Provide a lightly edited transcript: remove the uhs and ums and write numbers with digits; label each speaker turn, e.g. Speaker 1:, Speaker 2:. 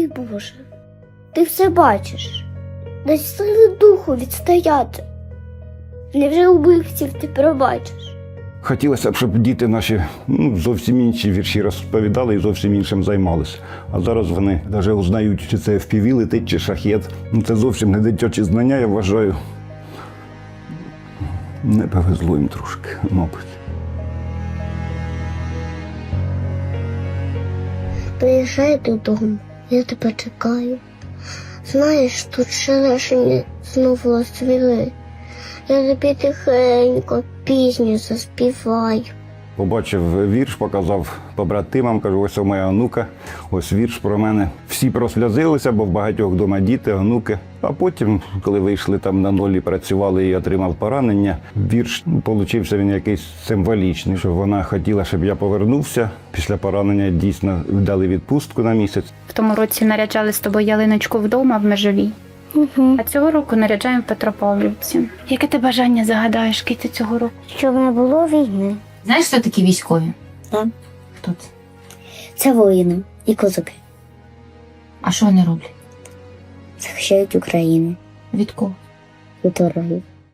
Speaker 1: Боже, ти все бачиш. Дай сили духу відстояти. Невже убивців ти пробачиш?
Speaker 2: Хотілося б, щоб діти наші зовсім інші вірші розповідали і зовсім іншим займалися. А зараз вони навіть узнають, чи це FPV летить, чи шахет. Це зовсім не дитячі знання, я вважаю. Не повезло їм трошки, мабуть.
Speaker 1: Приїжджай додому, я тебе чекаю. Знаєш, тут шелешені знову розцвіли. Я тобі тихенько пісню заспіваю.
Speaker 2: Побачив вірш, показав побратимам, кажу, ось моя онука, ось вірш про мене. Всі прослязилися, бо в багатьох вдома діти, онуки. А потім, коли вийшли там на нолі, працювали і отримав поранення, вірш получився він якийсь символічний, що вона хотіла, щоб я повернувся. Після поранення дійсно дали відпустку на місяць.
Speaker 3: В тому році наряджали з тобою ялиночку вдома в Межовій. А цього року наряджаємо в Петропавлівці. Яке ти бажання загадаєш, Кити, цього року?
Speaker 1: Щоб не було війни.
Speaker 4: Знаєш, хто такі військові?
Speaker 1: Так.
Speaker 4: Хто це?
Speaker 1: Це воїни і козаки.
Speaker 4: А що вони роблять?
Speaker 1: Захищають Україну
Speaker 4: Від кого?
Speaker 1: від ворогів.